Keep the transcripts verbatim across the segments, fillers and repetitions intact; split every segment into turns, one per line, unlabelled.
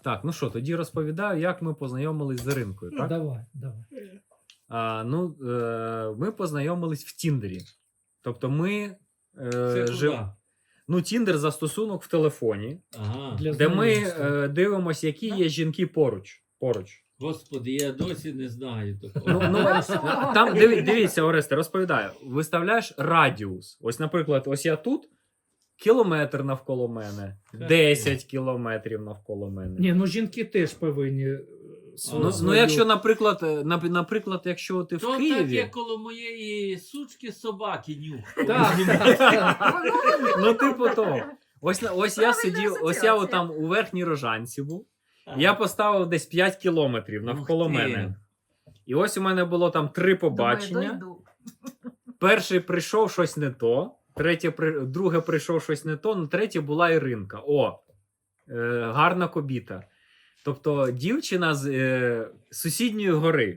Так, ну що, тоді розповідаю, як ми познайомились з Іринкою, так?
Давай, давай.
А, ну, е, ми познайомились в Тіндері. Тобто ми е,
Це
жив...
куди?
Ну, Тіндер застосунок в телефоні,
Ага.
Для
де ми
знайомства.
е, дивимося, які є жінки поруч. поруч.
Господи, я досі не знаю такого.
Ну, ну, там, диві, дивіться, Оресте, розповідаю. Виставляєш радіус. Ось, наприклад, ось я тут, кілометр навколо мене, десять кілометрів навколо мене.
Ні, ну жінки теж повинні. е, свою-
Ну, ну, якщо, наприклад, е, нап- наприклад, якщо ти в
То так,
Києві...
як коло моєї сучки собаки нюх.
Так, так, так.
Ну, типу того. Ось, на- ось я
Правильна
сидів, ось я
асоціація.
отам у Верхній Рожанці був. Я поставив десь п'ять кілометрів навколо
Ух ти.
мене. І ось у мене було там три побачення.
Думаю, дойду.
Перший прийшов щось не то, третє, при- друге прийшов щось не то, ну третє була Іринка. О, е, гарна кобіта. Тобто дівчина з е, сусідньої гори.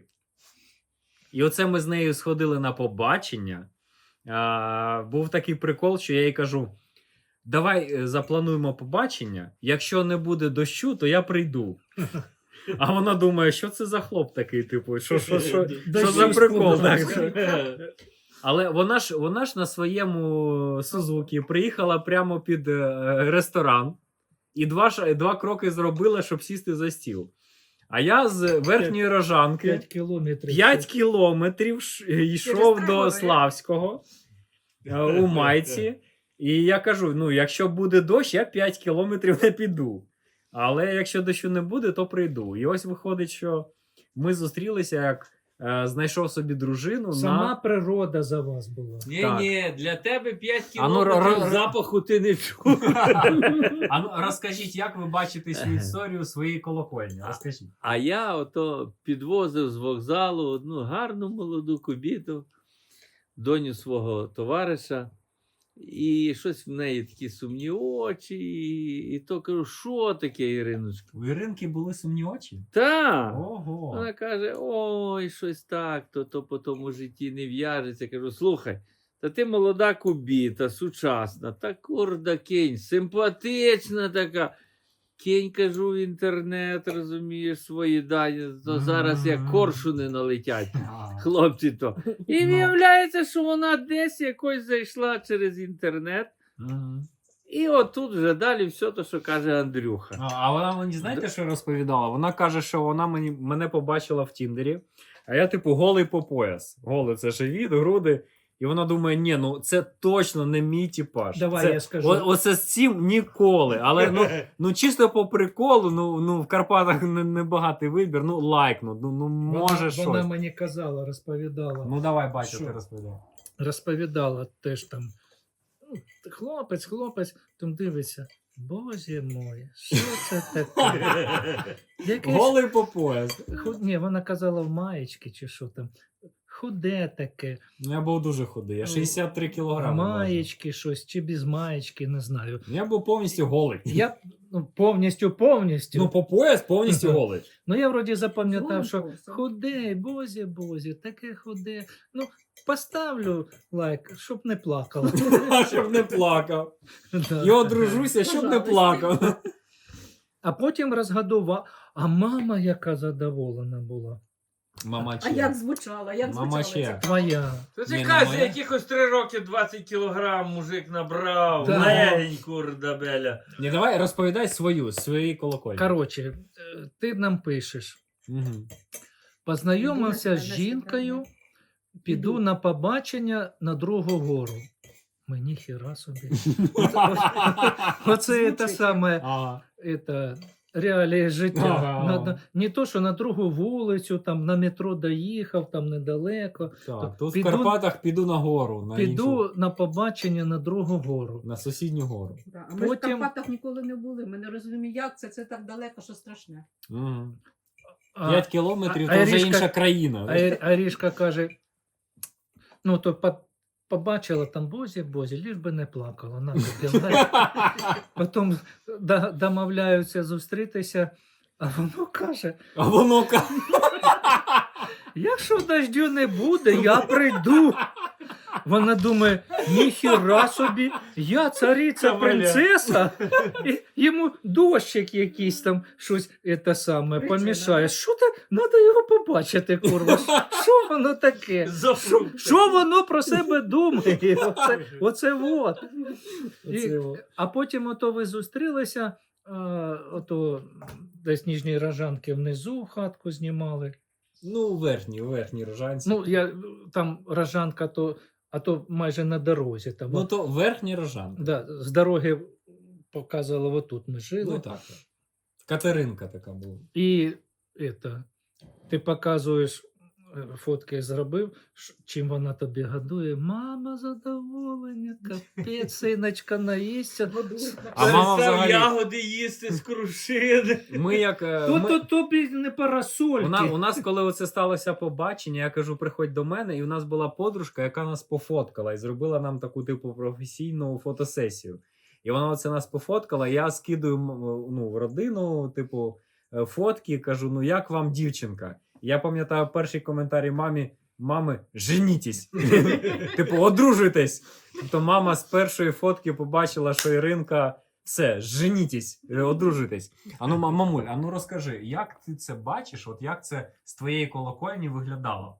І оце ми з нею сходили на побачення. А, був такий прикол, що я їй кажу: давай е, заплануємо побачення. Якщо не буде дощу, то я прийду. А вона думає, що це за хлоп такий, типу, що, що, що, що за прикол? Так? Але вона ж, вона ж на своєму Сузукі приїхала прямо під е, ресторан і два, ш- два кроки зробила, щоб сісти за стіл. А я з Верхньої Рожанки
п'ять кілометрів.
п'ять кілометрів ш- йшов
три
до
гори.
Славського е, у майці. І я кажу: ну, якщо буде дощ, я п'ять кілометрів не піду. Але якщо дощу не буде, то прийду. І ось виходить, що ми зустрілися, як е, знайшов собі дружину
Сама
на...
природа за вас була.
Ні,
Так.
ні, для тебе п'ять
А ну,
кілометрів
ро- ро-
запаху ти не чув.
А ну, розкажіть, як ви бачите цю історію своєї колокольні? Розкажіть.
А я ото підвозив з вокзалу одну гарну молоду кобіту, доню свого товариша. І щось в неї такі сумні очі. І, і то кажу, що таке, Іриночко?
У Іринки були сумні очі?
Та!
Ого!
Вона каже: ой, щось так, то, то по тому житті не в'яжеться. Кажу, слухай, та ти молода кубіта, сучасна, та курда кінь, симпатична така. Кінь, кажу, в інтернет, розумієш, свої дані, то зараз як коршуни налетять.
А,
Хлопці то. І
Ну.
виявляється, що вона десь якось зайшла через інтернет.
мгм.
І отут вже далі все те, що каже Андрюха.
А, а вона мені, знаєте, що розповідала? Вона каже, що вона мені, мене побачила в Тіндері, а я, типу, голий по пояс. Голий це живіт, груди. І вона думає, ні, ну це точно не мій типаж.
Давай
це,
я скажу.
О, оце з цим ніколи. Але ну, ну чисто по приколу, ну, ну в Карпатах не, не багатий вибір, ну лайкну, ну, ну може
вона,
щось.
вона мені казала, розповідала.
Ну давай, бачу,
Що?
ти розповідай.
Розповідала теж там. ну, Хлопець, хлопець, там дивиться. Боже мой, що це таке? Якесь...
Голий по пояс.
Худ... Ні, вона казала в маєчки чи що там. Худе таке.
Ну, я був дуже худий, я шістдесят три кілограми. важив.
Маєчки щось, чи без маєчки, не знаю.
Я був повністю голий.
Я ну, повністю, повністю.
Ну,
Ну,
по пояс повністю голий.
я вроді запам'ятав, що
Зонтувався.
худе, бозі, бозі, таке худе. Ну, поставлю лайк, щоб не плакала.
Щоб не плакав.
Да.
І одружуся, щоб не плакав.
А потім розгадував. А мама яка задоволена була.
Мама
А як звучала? Як
Мама
звучала
ще.
ця?
Твоя.
То
Ні,
ти
ну,
каже,
моя-
якихось три роки двадцять кілограм мужик набрав.
Да.
Лень, курда беля.
Ні, давай розповідай свою, свої колокольні.
Коротше, е, ти нам пишеш.
Мгм.
Познайомився з
Іду на
жінкою, піду
Іду.
на побачення на другу гору. Мені хіра собі. Оце те
Звучить.
саме
Ага.
это, реалії життя.
Ага.
На, на, не то, що на другу вулицю, там на метро доїхав, там недалеко.
Так, тут
Піду-
в Карпатах піду на гору, на
Піду
іншу,
на побачення на другу гору.
на сусідню гору.
Да. А ми
Потім-
в Карпатах ніколи не були. Ми не розуміємо, як це. Це так далеко, що страшне.
Мгм.
А,
П'ять кілометрів
а
то вже
Іришка-
інша країна.
а, Ір- а Рішка каже: ну, то по- побачила там бозі, бозі, ліж би не плакала. На, тобі лайк. Потім да- домовляються зустрітися, а воно каже:
А воно ка-
якщо дождю не буде, я прийду. Вона думає, ніхіра собі, я цариця,
Кавалер.
принцеса, і йому дощик якийсь там щось це саме
Причина,
помішає.
да?
Що ти? Треба його побачити, курва. Що воно таке? Що воно про себе думає? Оце, оце вот. І,
Оце о.
а потім ото ви зустрілися, а, ото десь Ніжній Рожанки внизу хатку знімали.
Ну, у верхній, у верхній Рожанці.
Ну, я, там Рожанка, то, а то майже на дорозі. Там,
Ну, то верхній Рожанка.
да, з дороги показували, отут ми жили.
Ну, так, так. Катеринка така була.
І это, ти показуєш, е, фотки зробив, ш- чим вона тобі годує. Мама, задоволення, капець, синочка наїсться.
А мама
Перестав
взагалі-
ягоди їсти з крушини.
Ми як... е,
То,
ми-
то тобі не парасольки.
У нас, у нас, коли оце сталося побачення, я кажу, приходь до мене, і у нас була подружка, яка нас пофоткала і зробила нам таку типу професійну фотосесію. І вона оце нас пофоткала. Я скидую м, ну, в родину, типу, е, фотки, кажу: ну як вам дівчинка? Я пам'ятаю перший коментарі мамі: мами, женітесь. Типу, одружуйтесь. Тобто мама з першої фотки побачила, що Іринка. Все, женітесь, е, одружуйтесь. А ну, ма- мамуль, а ну розкажи, як ти це бачиш? От як це з твоєї колокольні виглядало?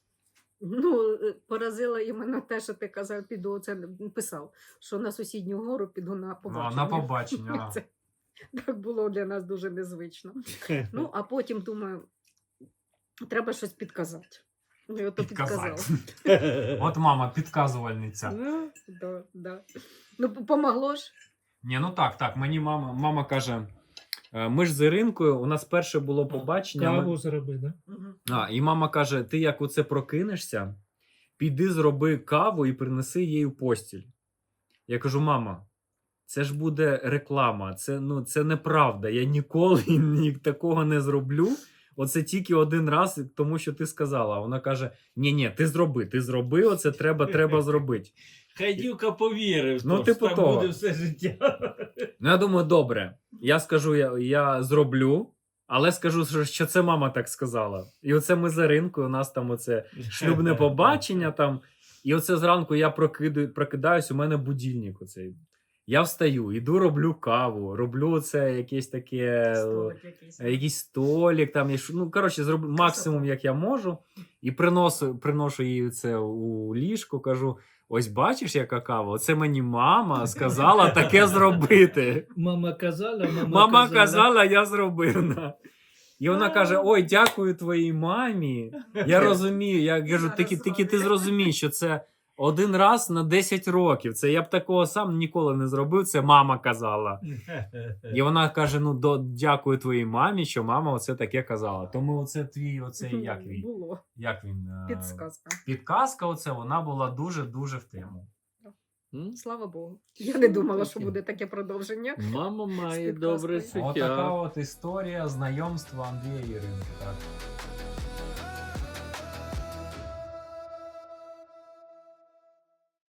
Ну, е, поразило іменно те, що ти казав, піду, це писав, що на сусідню гору піду на
Ну,
побачення.
на побачення. ага.
Це так було для нас дуже незвично. Ну, а потім думаю, треба щось підказати. Ну, і ото підказав.
Підказати. От мама, підказувальниця.
Ну, да, да. Ну, п- помогло ж.
Ні, ну так, так. Мені мама, мама каже: е, ми ж з Іринкою, у нас перше було побачення. ми-
Каву зроби, да?
А, і мама каже: ти як оце прокинешся, піди зроби каву і принеси їй у постіль. Я кажу: мама, це ж буде реклама, це, ну, це неправда. Я ніколи ні, такого не зроблю. Оце тільки один раз, тому що ти сказала. А вона каже: ні, ні, ти зроби, ти зроби, оце треба, треба зробити.
Хай дівка повірив,
Ну,
що
типу
так
того.
буде все життя.
Ну, я думаю, добре. Я скажу, я, я зроблю, але скажу, що, що це мама так сказала. І оце ми за ринкою, у нас там оце шлюбне побачення там. І оце зранку я прокидаю, прокидаюсь, у мене будильник оцей. Я встаю, іду, роблю каву, роблю оце якесь таке,
Столик якийсь.
е, якийсь столик, там, я ш- ну, коротше, зроблю максимум, як я можу. І приношу, приношу їй це у ліжко, кажу: ось бачиш, яка кава? Оце мені мама сказала таке зробити.
Мама казала, мама,
Мама казала, я зробив. на. І вона каже: ой, дякую твоїй мамі. Я розумію. Я кажу, тільки, тільки ти зрозумій, що це один раз на десять років. Це я б такого сам ніколи не зробив. Це мама казала. І вона каже: ну, до, дякую твоїй мамі, що мама оце таке казала. Тому оце твій, оце як він?
Було.
Як він? е,
Підсказка.
Підказка оце, вона була дуже-дуже в тему.
М?
Слава Богу. Я не думала, що буде таке продовження.
Мама має
підказкою.
добре
Отака
чуття.
от історія знайомства Андрія і Іринки. Так?